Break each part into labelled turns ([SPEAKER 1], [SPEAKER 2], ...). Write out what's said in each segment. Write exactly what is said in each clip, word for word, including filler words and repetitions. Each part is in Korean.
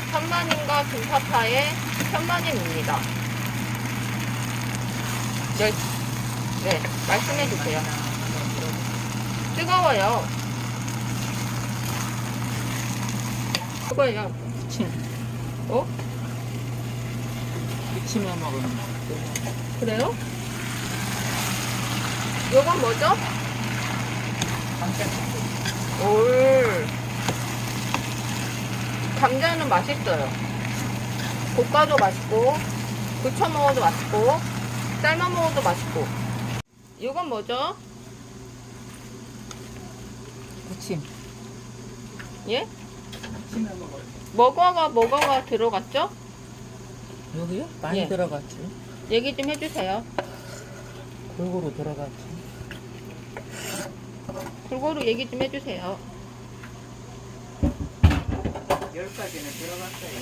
[SPEAKER 1] 현마님과 김파파의 현마님입니다. 네, 네, 말씀해주세요. 뜨거워요. 뜨거워요.
[SPEAKER 2] 침.
[SPEAKER 1] 어?
[SPEAKER 2] 무침에 먹으면 맛있대.
[SPEAKER 1] 그래요? 요건 뭐죠? 올. 감자는 맛있어요. 볶아도 맛있고, 부쳐 먹어도 맛있고, 삶아 먹어도 맛있고. 이건 뭐죠?
[SPEAKER 2] 무침.
[SPEAKER 1] 예?
[SPEAKER 2] 무침에 먹어요.
[SPEAKER 1] 뭐가가 뭐가가 들어갔죠?
[SPEAKER 2] 여기요? 많이
[SPEAKER 1] 예.
[SPEAKER 2] 들어갔지.
[SPEAKER 1] 얘기 좀 해주세요.
[SPEAKER 2] 골고루 들어갔지.
[SPEAKER 1] 골고루 얘기 좀 해주세요.
[SPEAKER 2] 열 가지는 들어갔어요.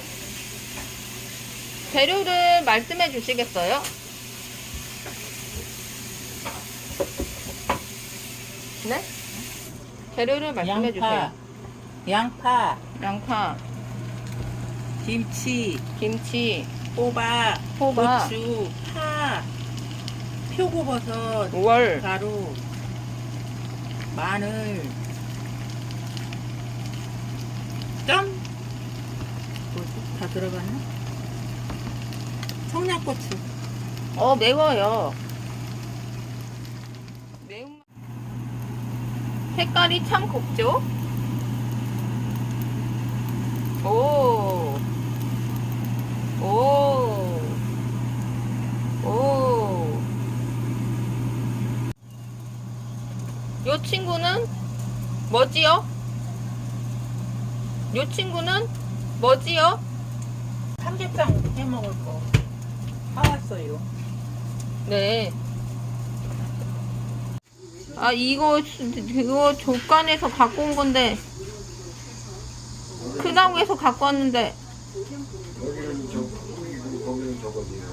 [SPEAKER 1] 재료를 말씀해 주시겠어요? 네? 재료를 말씀해 주세요.
[SPEAKER 2] 양파,
[SPEAKER 1] 양파,
[SPEAKER 2] 김치,
[SPEAKER 1] 김치,
[SPEAKER 2] 호박,
[SPEAKER 1] 호박,
[SPEAKER 2] 고추, 파, 표고버섯,
[SPEAKER 1] 월,
[SPEAKER 2] 가루, 마늘, 점? 뭐지? 다 들어갔나? 청양고추.
[SPEAKER 1] 어 매워요. 매운 색깔이 참 곱죠? 오, 오, 오. 요 친구는 뭐지요? 요 친구는 뭐지요?
[SPEAKER 2] 삼계탕 해 먹을 거 사왔어요.
[SPEAKER 1] 네. 아 이거 이거 조간에서 갖고 온 건데 크다고해서 갖고 왔는데
[SPEAKER 3] 여기는 저 거기고 거기는 저거지요.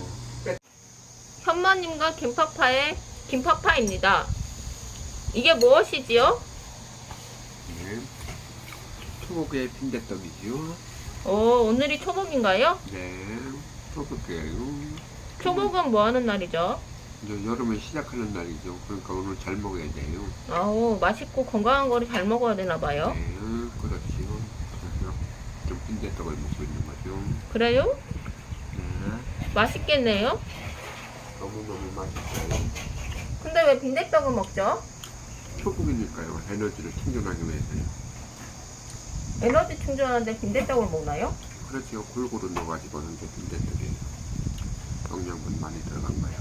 [SPEAKER 1] 현마님과 김파파의 김파파입니다. 이게 무엇이지요?
[SPEAKER 3] 네. 초복의 빈대떡이지요.
[SPEAKER 1] 오 오늘이 초복인가요?
[SPEAKER 3] 네. 초복이에요.
[SPEAKER 1] 초복은 뭐 하는 날이죠?
[SPEAKER 3] 이제 여름을 시작하는 날이죠. 그러니까 오늘 잘 먹어야 돼요.
[SPEAKER 1] 아우 맛있고 건강한 거를 잘 먹어야 되나 봐요.
[SPEAKER 3] 네, 그렇지요. 그래서 좀 빈대떡을 먹고 있는 거죠.
[SPEAKER 1] 그래요?
[SPEAKER 3] 네.
[SPEAKER 1] 맛있겠네요.
[SPEAKER 3] 너무너무 맛있어요.
[SPEAKER 1] 근데 왜 빈대떡을 먹죠?
[SPEAKER 3] 초복이니까요. 에너지를 충전하기 위해서요.
[SPEAKER 1] 에너지 충전하는데 빈대떡을 먹나요?
[SPEAKER 3] 그렇지요. 골고루 넣어가지고 하는 게 빈대떡이에요. 영양분 많이 들어간 거예요.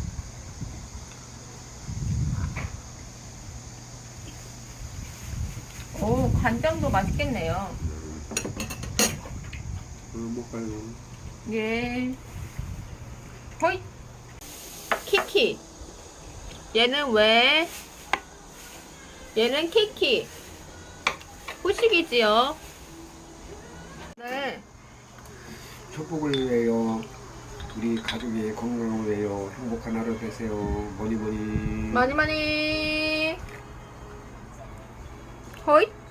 [SPEAKER 1] 오 간장도 맛있겠네요.
[SPEAKER 3] 어, 먹어요.
[SPEAKER 1] 예. 호잇. 키키. 얘는 왜? 얘는 키키. 후식이지요. 네.
[SPEAKER 3] 축복을 위해요. 우리 가족의 건강을 위해요. 행복한 하루 되세요. 뭐니 뭐니.
[SPEAKER 1] 많이 많이. 호잇.